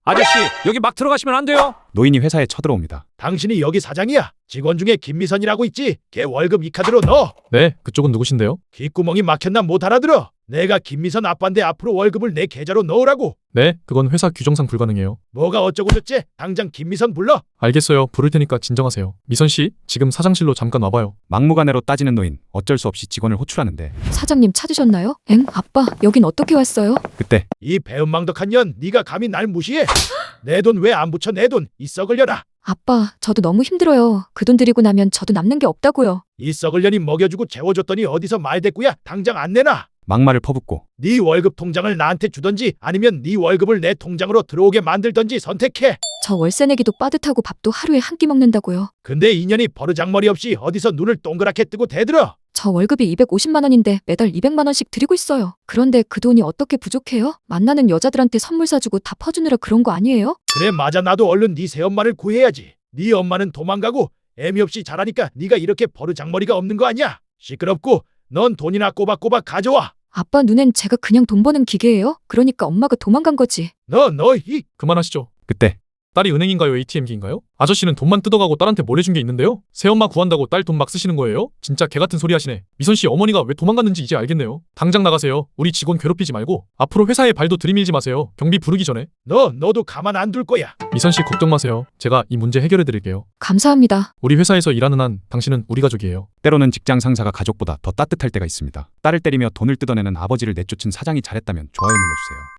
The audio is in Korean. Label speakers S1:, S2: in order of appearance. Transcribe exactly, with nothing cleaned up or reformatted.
S1: 아저씨, 여기 막 들어가시면 안 돼요.
S2: 노인이 회사에 쳐들어옵니다.
S3: 당신이 여기 사장이야. 직원 중에 김미선이라고 있지. 걔 월급 이 카드로 넣어.
S4: 네, 그쪽은 누구신데요?
S3: 귓구멍이 막혔나 못 알아들어. 내가 김미선 아빠인데 앞으로 월급을 내 계좌로 넣으라고.
S4: 네, 그건 회사 규정상 불가능해요.
S3: 뭐가 어쩌고 저쩌? 당장 김미선 불러.
S4: 알겠어요. 부를 테니까 진정하세요. 미선 씨, 지금 사장실로 잠깐 와봐요.
S2: 막무가내로 따지는 노인. 어쩔 수 없이 직원을 호출하는데
S5: 사장님 찾으셨나요? 엥? 아빠, 여긴 어떻게 왔어요?
S2: 그때
S3: 이 배은망덕한 년, 네가 감히 날 무시해? 내 돈 왜 안 붙여? 내 돈 이 썩을 년아.
S5: 아빠, 저도 너무 힘들어요. 그 돈 드리고 나면 저도 남는 게 없다고요.
S3: 이 썩을 년이 먹여주고 재워줬더니 어디서 말대꾸야? 당장 안 내놔.
S2: 막말을 퍼붓고
S3: 네 월급 통장을 나한테 주던지 아니면 네 월급을 내 통장으로 들어오게 만들던지 선택해.
S5: 저 월세 내기도 빠듯하고 밥도 하루에 한 끼 먹는다고요.
S3: 근데 이 년이 버르장머리 없이 어디서 눈을 동그랗게 뜨고 대들어.
S5: 저 월급이 이백오십만 원인데 매달 이백만 원씩 드리고 있어요. 그런데 그 돈이 어떻게 부족해요? 만나는 여자들한테 선물 사주고 다 퍼주느라 그런 거 아니에요?
S3: 그래 맞아, 나도 얼른 네 새엄마를 구해야지. 네 엄마는 도망가고 애미 없이 자라니까 네가 이렇게 버르장머리가 없는 거 아니야. 시끄럽고 넌 돈이나 꼬박꼬박 가져와.
S5: 아빠 눈엔 제가 그냥 돈 버는 기계예요? 그러니까 엄마가 도망간 거지.
S3: 너 너 이
S4: 그만하시죠.
S2: 그때
S4: 딸이 은행인가요? 에이티엠기인가요? 아저씨는 돈만 뜯어가고 딸한테 뭘 해준 게 있는데요? 새엄마 구한다고 딸 돈 막 쓰시는 거예요? 진짜 개같은 소리 하시네. 미선 씨 어머니가 왜 도망갔는지 이제 알겠네요. 당장 나가세요. 우리 직원 괴롭히지 말고 앞으로 회사에 발도 들이밀지 마세요. 경비 부르기 전에.
S3: 너 너도 가만 안 둘 거야.
S4: 미선 씨 걱정 마세요. 제가 이 문제 해결해 드릴게요.
S5: 감사합니다.
S4: 우리 회사에서 일하는 한 당신은 우리 가족이에요.
S2: 때로는 직장 상사가 가족보다 더 따뜻할 때가 있습니다. 딸을 때리며 돈을 뜯어내는 아버지를 내쫓은 사장이 잘했다면 좋아요 눌러주세요.